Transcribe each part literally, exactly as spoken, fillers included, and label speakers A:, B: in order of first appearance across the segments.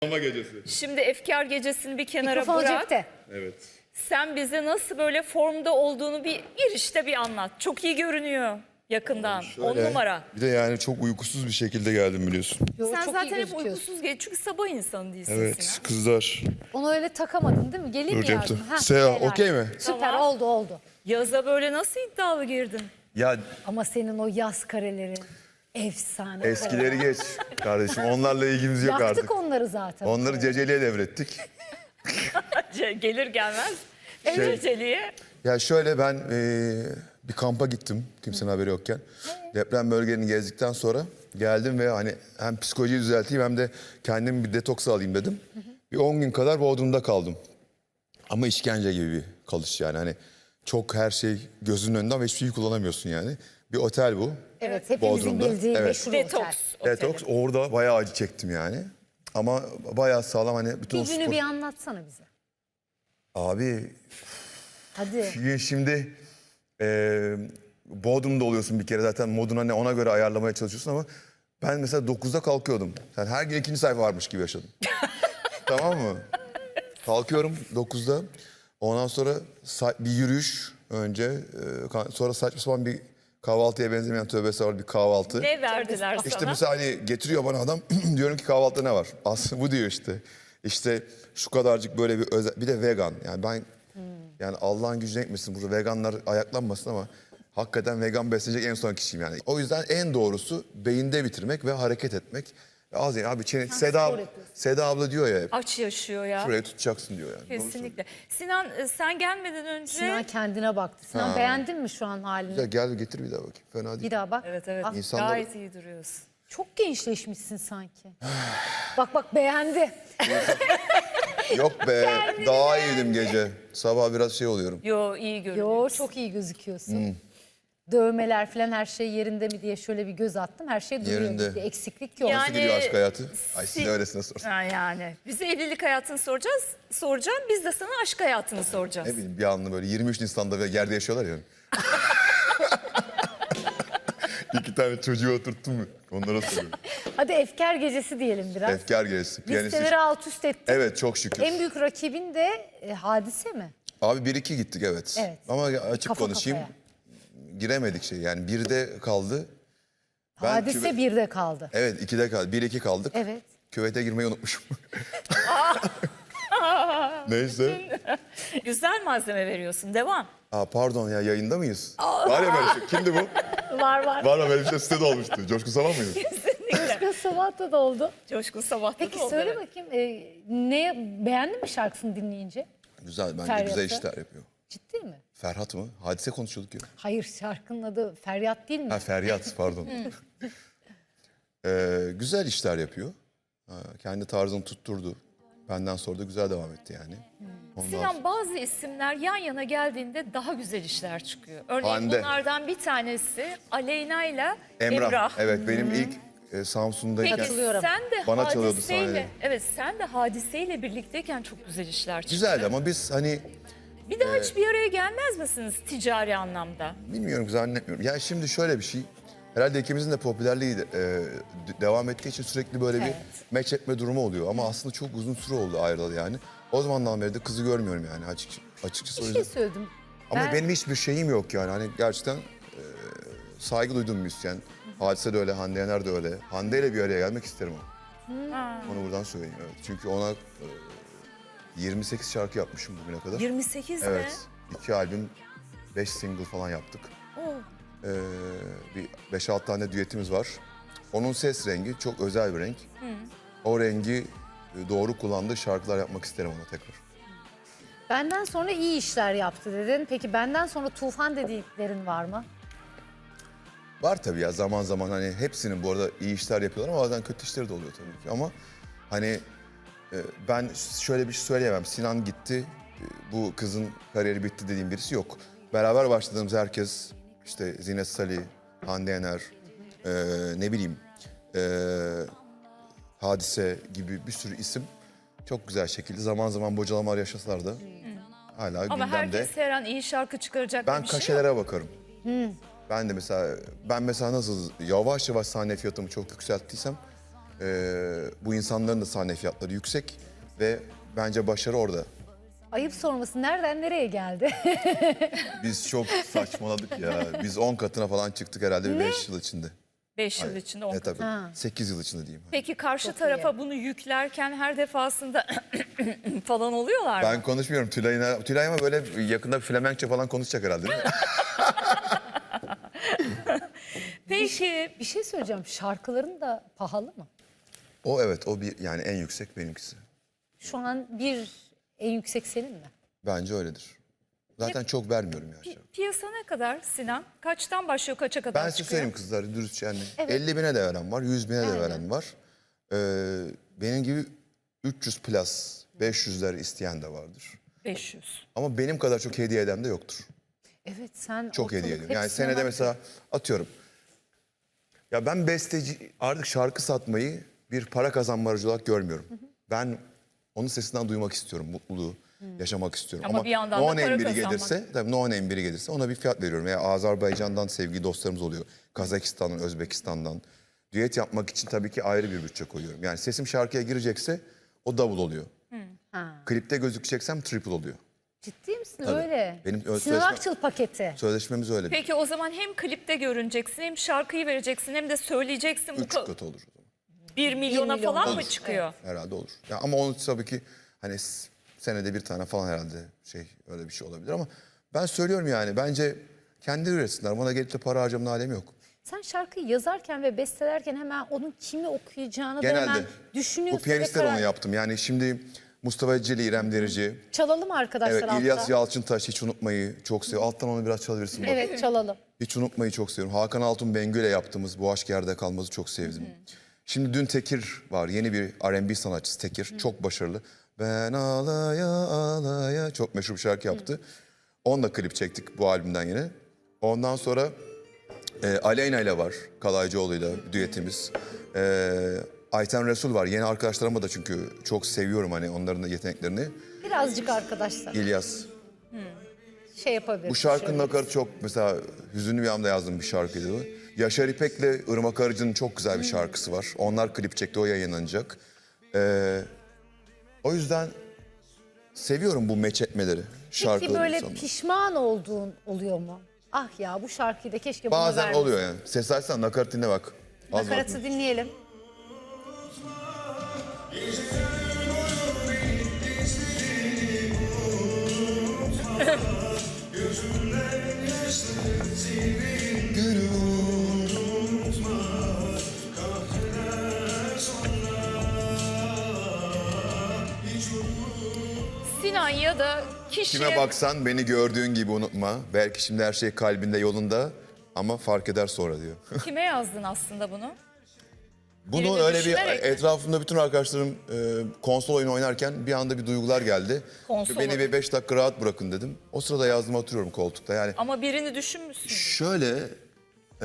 A: Ama gecesi.
B: Şimdi efkar gecesini bir kenara
C: Mikrofon
B: bırak.
C: cepte.
A: Evet.
B: Sen bize nasıl böyle formda olduğunu bir girişte bir anlat. Çok iyi görünüyor yakından. On numara.
A: Bir de yani çok uykusuz bir şekilde geldim biliyorsun.
C: Yo,
B: Sen
C: çok
B: zaten
C: iyi
B: hep
C: gözüküyorsun.
B: uykusuz gel. Çünkü sabah insanı değilsin
A: Evet
B: Sinan.
A: kızlar.
C: Onu öyle takamadın değil mi? Geleyim mi
A: Dur
C: yardım?
A: yaptım.
C: Heh,
A: Seha
C: helal.
A: okey mi?
C: Süper
B: Tamam.
C: oldu oldu.
B: Yaza böyle nasıl iddialı girdin?
A: Ya
C: Ama senin o yaz kareleri efsane.
A: eskileri geç kardeşim. Onlarla ilgimiz yok
C: Yaktık
A: artık.
C: onları zaten.
A: Onları Ceceli'ye devrettik.
B: Ce- Gelir gelmez.
A: Şey-
B: Ceceli'ye.
A: Ya şöyle ben eee, bir kampa gittim kimsenin haberi yokken. Deprem bölgelerini gezdikten sonra geldim ve hani hem psikolojiyi düzelteyim hem de kendimi bir detoks alayım dedim. Bir on gün kadar Bodrum'da kaldım. Ama işkence gibi bir kalış yani hani çok her şey gözünün önünde ama hiçbir şey kullanamıyorsun yani. Bir otel bu.
C: Evet, hepimizin
A: Bodrum'da.
C: bildiği
A: Evet.
C: meşhur otel.
B: Detoks. oteli.
A: Detoks orada bayağı acı çektim yani. Ama bayağı sağlam hani bütün o
C: Bir günü
A: spor...
C: bir anlatsana bize.
A: Abi
C: Hadi.
A: şimdi e, Bodrum'da oluyorsun bir kere zaten moduna ne ona göre ayarlamaya çalışıyorsun ama ben mesela dokuzda kalkıyordum. Sen her gün ikinci sayfa varmış gibi yaşadım. Tamam mı? Kalkıyorum dokuzda. Ondan sonra sa- bir yürüyüş önce e, ka- sonra saçma sapan bir kahvaltıya benzemeyen tövbesi var bir kahvaltı.
B: Ne verdiler sana?
A: İşte mesela hani getiriyor bana adam diyorum ki kahvaltıda ne var? Aslında bu diyor işte. İşte şu kadarcık böyle bir özel bir de vegan. Yani ben yani Allah'ın gücüne gitmesin burada veganlar ayaklanmasın ama hakikaten vegan beslenecek en son kişiyim yani. O yüzden en doğrusu beyinde bitirmek ve hareket etmek. Az yani abi çene, Seda,
C: spor yapıyorsun.
A: Seda abla diyor ya hep,
B: Aç yaşıyor ya.
A: şuraya tutacaksın diyor yani. Doğru
B: Kesinlikle. Sinan e, sen gelmeden önce...
C: Sinan kendine baktı. Sinan
A: Ha.
C: beğendin mi şu an halini?
A: söylüyor. Gel getir bir daha bakayım. Fena değil.
C: Bir daha bak.
B: Evet evet.
C: Ah,
A: İnsanlar-
B: Gayet iyi duruyorsun.
C: çok gençleşmişsin sanki. bak bak beğendi.
A: Yok be daha iyiydim gece. Sabah biraz şey oluyorum.
B: Yo iyi görünüyor.
C: Yo çok iyi gözüküyorsun. Dövmeler falan her şey yerinde mi diye şöyle bir göz attım. Her şey duruyor.
A: Yerinde.
C: Bir eksiklik yok.
B: Yani-
A: Nasıl gidiyor aşk hayatı? Ay siz
B: si-
A: de öylesine sorun.
B: Ha, yani. Bize evlilik hayatını soracağız. Soracağım. Biz de sana aşk hayatını soracağız.
A: Ne bileyim bir anlı böyle yirmi üç Nisan'da ve yerde yaşıyorlar ya. İki tane çocuğu oturttum mu? Onlara soruyorum.
C: Hadi efkar gecesi diyelim biraz.
A: Efkar gerisi. Piyanist.
C: Listeleri alt üst ettik.
A: Evet çok şükür.
C: En büyük rakibin de e, Hadise mi?
A: Abi bir iki gittik evet.
C: Evet.
A: Ama açık
C: Kafa
A: konuşayım.
C: kafaya.
A: Giremedik şey yani birde kaldı. Ben
C: Hadise
A: küve-
C: birde kaldı.
A: Evet ikide kaldı. Bir iki kaldık.
C: Evet.
A: Küvete girmeyi unutmuşum. Neyse.
B: Güzel malzeme veriyorsun. Devam.
A: Aa, pardon ya yayında mıyız? Var ya böyle şey. Kimdi bu?
C: Var var.
A: Var mı böyle bir şey sitede olmuştu. Coşkun Saman mıydı?
C: Başka sabahta da oldu.
B: Coşkun sabahta
C: Peki
B: da oldu,
C: söyle
B: evet.
C: bakayım e, ne beğendin mi şarkısını dinleyince?
A: Güzel bence
C: Feryat'ı.
A: güzel işler yapıyor.
C: Ciddi mi?
A: Ferhat mı? Hadise konuşuyorduk ya.
C: Hayır şarkının adı Feryat değil mi?
A: Ha Feryat pardon. Ee, güzel işler yapıyor. Ha, kendi tarzını tutturdu. Benden sonra da güzel devam etti yani. Ondan sonra-
B: Sinan bazı isimler yan yana geldiğinde daha güzel işler çıkıyor. Örneğin
A: Hande.
B: bunlardan bir tanesi Aleyna ile
A: Emrah.
B: Emrah.
A: Evet benim ilk e, Samsun'dayken
B: Peki
C: Katılıyorum.
B: sen de
A: Bana çalıyordu
B: hadiseyle,
A: sahnede.
B: evet sen de hadiseyle birlikteyken çok güzel işler çıkıyor.
A: güzeldi ama biz hani
B: Bir daha hiç bir araya gelmez misiniz ticari anlamda?
A: bilmiyorum zannetmiyorum. Ya şimdi şöyle bir şey. Herhalde ikimizin de popülerliği de, e, d- devam ettiği için sürekli böyle
C: Evet.
A: bir meç etme durumu oluyor. Ama aslında çok uzun süre oldu ayrılalı yani. O zamandan beri de kızı görmüyorum yani açık, açıkçası o
C: Bir
A: yüzden.
C: şey söyledim.
A: Ama
C: Ben-
A: benim hiçbir şeyim yok yani. Hani gerçekten e, saygı duyduğum müzisyen. Hadise de öyle, Hande Yener de öyle. Hande ile bir araya gelmek isterim ama. Onu buradan söyleyeyim evet. Çünkü ona e, yirmi sekiz şarkı yapmışım bugüne kadar.
B: yirmi sekiz
A: Evet. iki albüm, beş single falan yaptık.
B: mi? Oo.
A: Ee, bir beş altı tane düetimiz var. Onun ses rengi çok özel bir renk. O rengi e, doğru kullandığı şarkılar yapmak isterim ona tekrar.
C: Benden sonra iyi işler yaptı dedin. Peki benden sonra tufan dediklerin var mı?
A: Var tabii ya zaman zaman hani hepsinin bu arada iyi işler yapıyorlar ama bazen kötü işleri de oluyor tabii ki. Ama hani e, ben şöyle bir şey söyleyemem. Sinan gitti, e, bu kızın kariyeri bitti dediğim birisi yok. Beraber başladığımız herkes işte Zinet Salih, Hande Yener, e, ne bileyim e, Hadise gibi bir sürü isim çok güzel şekilde zaman zaman bocalamalar yaşasalar da hala
B: Ama
A: gündemde.
B: herkes her an iyi şarkı çıkaracak
A: Ben
B: bir şey yok.
A: kaşelere bakarım. Ben de mesela ben mesela nasıl yavaş yavaş sahne fiyatımı çok yükselttiysem Ee, bu insanların da sahne fiyatları yüksek ve bence başarı orada.
C: Ayıp sorması nereden nereye geldi?
A: Biz çok saçmaladık ya. Biz on katına falan çıktık herhalde beş yıl içinde.
B: beş yıl içinde on
A: E
B: katı.
A: tabii. sekiz yıl içinde diyeyim.
B: Peki karşı
C: Çok
B: tarafa
C: iyi.
B: bunu yüklerken her defasında falan oluyorlar mı?
A: Ben konuşmuyorum Tülay'ına. Tülay ama böyle yakında Flemenkçe falan konuşacak herhalde değil mi?
B: Peki
C: Bir şey söyleyeceğim. Şarkıların da pahalı mı?
A: O evet o bir yani en yüksek benimkisi.
C: Şu an bir en yüksek senin mi?
A: Bence öyledir. Zaten çok vermiyorum ya.
B: pi- piyasa ne kadar Sinan? Kaçtan başlıyor kaça kadar
A: Ben size
B: çıkıyor?
A: söyleyeyim kızlar dürüstçe yani.
C: Evet.
A: elli bine de veren var, yüz bine de
C: Aynen.
A: veren var. Ee, benim gibi üç yüz plus, beş yüzler isteyen de vardır.
B: beş yüz.
A: Ama benim kadar çok hediye eden de yoktur.
C: Evet sen
A: Çok
C: ortalık
A: hediye ediyorum. Yani
C: hepsine
A: senede
C: bak-
A: mesela atıyorum. Ya ben besteci artık şarkı satmayı bir para kazanma aracı olarak görmüyorum. Ben onun sesinden duymak istiyorum, mutluluğu yaşamak istiyorum.
B: Ama bir yandan da
A: no
B: para
A: name biri
B: kazanmak.
A: gelirse, tabii no name biri gelirse ona bir fiyat veriyorum. Veya Azerbaycan'dan sevgili dostlarımız oluyor. Kazakistan'dan, Özbekistan'dan. Düet yapmak için tabii ki ayrı bir bütçe koyuyorum. Yani sesim şarkıya girecekse o double oluyor.
C: Ha.
A: Klipte gözükeceksem triple oluyor.
C: Ciddi misin
A: Tabii.
C: öyle?
A: Benim öz-
C: Sinan
A: sözleşme-
C: Akçıl paketi.
A: Sözleşmemiz öyle.
B: Peki o zaman hem klipte görüneceksin hem şarkıyı vereceksin hem de söyleyeceksin. Bu
A: Üç
B: ka-
A: katı olur o zaman.
B: bir milyona
C: milyon
B: falan mı
C: olur.
B: çıkıyor?
A: Herhalde olur. Ya ama onu tabii ki hani s- senede bir tane falan herhalde şey öyle bir şey olabilir ama ben söylüyorum yani bence kendi üretsinler. Bana gelip de para harcamanın alemi yok.
C: Sen şarkıyı yazarken ve bestelerken hemen onun kimi okuyacağını da hemen
A: Genelde
C: düşünüyorsun.
A: bu piyanistler
C: ve karar-
A: onu yaptım. Yani şimdi Mustafa Celi, İrem Derici,
C: Çalalım arkadaşlar
A: evet,
C: altta.
A: İlyas Yalçıntaş hiç unutmayı çok seviyorum. Alttan onu biraz çalabilirsin. Bak.
C: Evet çalalım.
A: Hiç unutmayı çok seviyorum. Hakan Altun Bengü ile yaptığımız Bu Aşk Yerde Kalmaz'ı çok sevdim. Şimdi dün Tekir var. Yeni bir R and B sanatçısı Tekir. Çok başarılı. Ben ağlaya ağlaya çok meşhur bir şarkı yaptı. Onunla klip çektik bu albümden yine. Ondan sonra e, Aleyna ile var. Kalaycıoğlu'yla düetimiz. E, Ayten Resul var. Yeni arkadaşlarıma da çünkü çok seviyorum hani onların da yeteneklerini.
C: Birazcık arkadaşlar
A: İlyas.
C: şey yapabiliriz.
A: Bu şarkının
C: şöyle.
A: nakaratı çok mesela hüzünlü bir anda yazdığım bir şarkıydı bu. Yaşar İpek'le Irmak Arıcı'nın çok güzel bir şarkısı var. Onlar klip çekti, o yayınlanacak. Ee, o yüzden seviyorum bu meç etmeleri.
C: Peki
A: Şarkıları
C: böyle
A: insanlar.
C: pişman olduğun oluyor mu? Ah ya bu şarkıyı da keşke buna
A: Bazen
C: vermeseydim.
A: oluyor yani. Ses açsan nakarat dinle bak. Az var.
C: Nakaratı dinleyelim.
B: Sinan ya da kişiye...
A: Kime baksan beni gördüğün gibi unutma. Belki şimdi her şey kalbinde yolunda ama fark eder sonra diyor.
B: Kime yazdın aslında bunu? Birini
A: Bunu öyle bir
B: düşünerek mi?
A: etrafımda bütün arkadaşlarım e, konsol oyunu oynarken bir anda bir duygular geldi.
B: Konsol
A: Beni
B: oyunu.
A: bir beş dakika rahat bırakın dedim. O sırada yazdığımı hatırlıyorum koltukta. Yani
B: Ama birini düşünmüşsün.
A: şöyle e,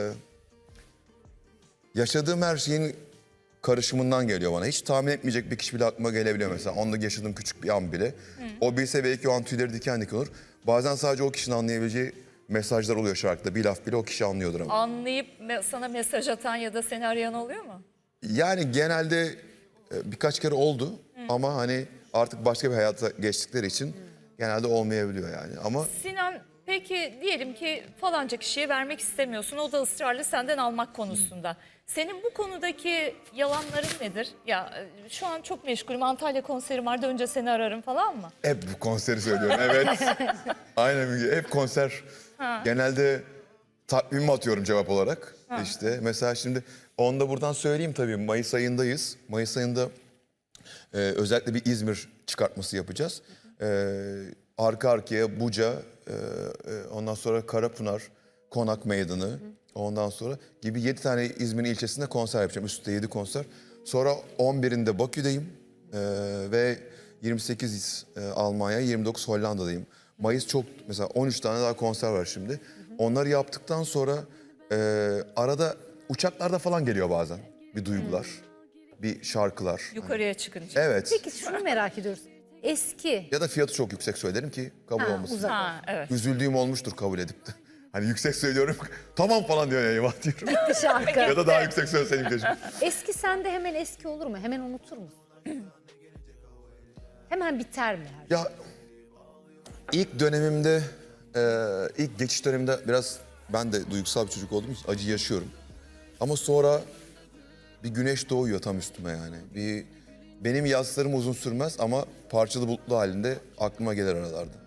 A: yaşadığım her şeyin karışımından geliyor bana. Hiç tahmin etmeyecek bir kişi bile aklıma gelebiliyor mesela. Onda yaşadığım küçük bir an bile. O bilse belki o an tüyleri diken diken olur. Bazen sadece o kişinin anlayabileceği mesajlar oluyor şarkıda. Bir laf bile o kişi anlıyordur ama.
B: Anlayıp me- sana mesaj atan ya da seni arayan oluyor mu?
A: Yani genelde e, birkaç kere oldu ama hani artık başka bir hayata geçtikleri için genelde olmayabiliyor yani. Ama
B: Sinan peki diyelim ki falanca kişiye vermek istemiyorsun. O da ısrarlı senden almak konusunda. Senin bu konudaki yalanların nedir? Ya e, şu an çok meşgulüm. Antalya konserim vardı. Önce seni ararım falan mı?
A: hep bu konseri söylüyorum evet. Aynen Müge, hep konser. Genelde takvimimi atıyorum cevap olarak. İşte mesela şimdi onu da buradan söyleyeyim tabii Mayıs ayındayız. Mayıs ayında e, özellikle bir İzmir çıkartması yapacağız. E, arka arkaya Buca, e, e, ondan sonra Karapınar, Konak Meydanı, ondan sonra gibi yedi tane İzmir'in ilçesinde konser yapacağım. Üstte yedi konser. Sonra on birinde Bakü'deyim e, ve yirmi sekiz e, Almanya, yirmi dokuz Hollanda'dayım. Mayıs çok mesela on üç tane daha konser var şimdi. Onları yaptıktan sonra e, arada uçaklarda falan geliyor bazen bir duygular, bir şarkılar.
B: Yukarıya çıkınca.
A: Evet.
C: Peki şunu merak ediyoruz. Eski.
A: Ya da fiyatı çok yüksek söylerim ki kabul
C: Ha,
A: olmasın.
C: uzak.
B: Ha evet.
A: Üzüldüğüm olmuştur kabul edip de. Hani yüksek söylüyorum, tamam falan diyor ya, eyvah diyorum.
C: Bir şarkı.
A: Ya da daha yüksek söyleseydim keşke.
C: Eski sende hemen eski olur mu? Hemen unutur musun? Hemen biter mi? her şey?
A: Ya ilk dönemimde, e, ilk geçiş döneminde biraz ben de duygusal bir çocuk olduğum için acı yaşıyorum. Ama sonra bir güneş doğuyor tam üstüme yani. Bir benim yaslarım uzun sürmez ama parçalı bulutlu halinde aklıma gelir aralarda.